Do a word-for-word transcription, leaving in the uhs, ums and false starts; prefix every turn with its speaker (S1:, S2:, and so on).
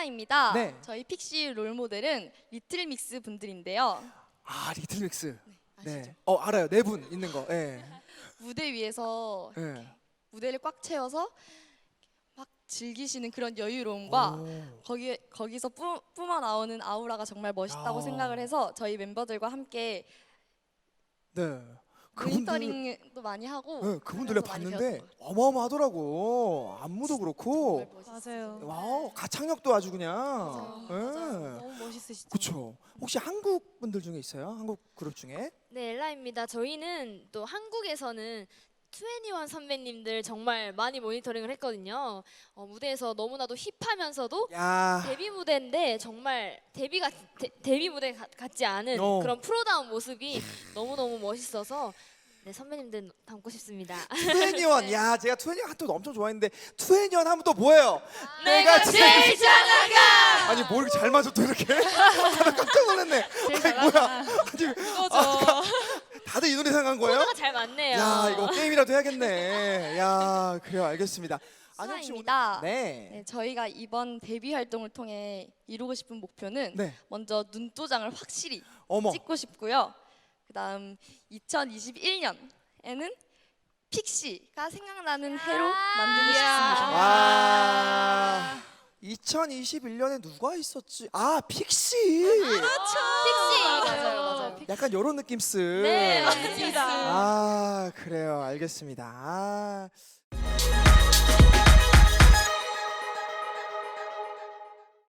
S1: 엘라입니다.
S2: 네.
S1: 저희 픽시 롤 모델은 리틀믹스 분들인데요.
S2: 아 리틀믹스.
S1: 아시죠?
S2: 네. 어 알아요. 네 분 있는 거. 예.
S1: 무대 위에서
S2: 예.
S1: 무대를 꽉 채워서 막 즐기시는 그런 여유로움과
S2: 오.
S1: 거기 거기서 뿜, 뿜어 나오는 아우라가 정말 멋있다고
S2: 야.
S1: 생각을 해서 저희 멤버들과 함께
S2: 네. 그분들
S1: 모니터링도 많이 하고
S2: 네, 그분들 내가
S1: 하면서 많이
S2: 봤는데
S1: 배웠던 것 같아요.
S2: 어마어마하더라고. 안무도 그렇고.
S1: 정말 멋있어요.
S3: 맞아요.
S2: 와우 가창력도 아주 그냥.
S1: 맞아요.
S2: 예.
S3: 맞아요. 너무 멋있으시죠.
S2: 그렇죠. 혹시 한국 분들 중에 있어요? 한국 그룹 중에?
S4: 네, 엘라입니다. 저희는 또 한국에서는 투애니원 선배님들 정말 많이 모니터링을 했거든요. 어, 무대에서 너무나도 힙하면서도
S2: 야.
S4: 데뷔 무대인데 정말 데뷔가 데, 데뷔 무대 가, 같지 않은
S2: 어.
S4: 그런 프로다운 모습이 너무너무 멋있어서 네, 선배님들 닮고 싶습니다.
S2: 투애니원. 야, 제가 투애니원 또 엄청 좋아했는데 투애니원 하면 또 뭐예요?
S4: 내가 제일 잘 나가!
S2: 아니 뭐 이렇게 잘 맞아 또 이렇게? 나 깜짝 놀랐네. 아니 뭐야? 아니 아, 다들 이 노래 생각한 거예요?
S4: 코드가 잘 맞네요.
S2: 야 이거 게임이라도 해야겠네. 야 그래요 알겠습니다. 아니 혹시 오늘
S1: 수아입니다.
S2: 네.
S1: 네, 저희가 이번 데뷔 활동을 통해 이루고 싶은 목표는
S2: 네.
S1: 먼저 눈도장을 확실히
S2: 어머.
S1: 찍고 싶고요. 그다음 이천이십일 년에는 픽시가 생각나는 해로 만들고 싶습니다.
S2: 와. 이천이십일 년에 누가 있었지? 아 픽시.
S4: 픽시!
S1: 맞아요, 맞아요. 픽시.
S2: 약간 이런 느낌스.
S4: 네,
S3: 맞습니다.
S2: 아 그래요 알겠습니다. 아.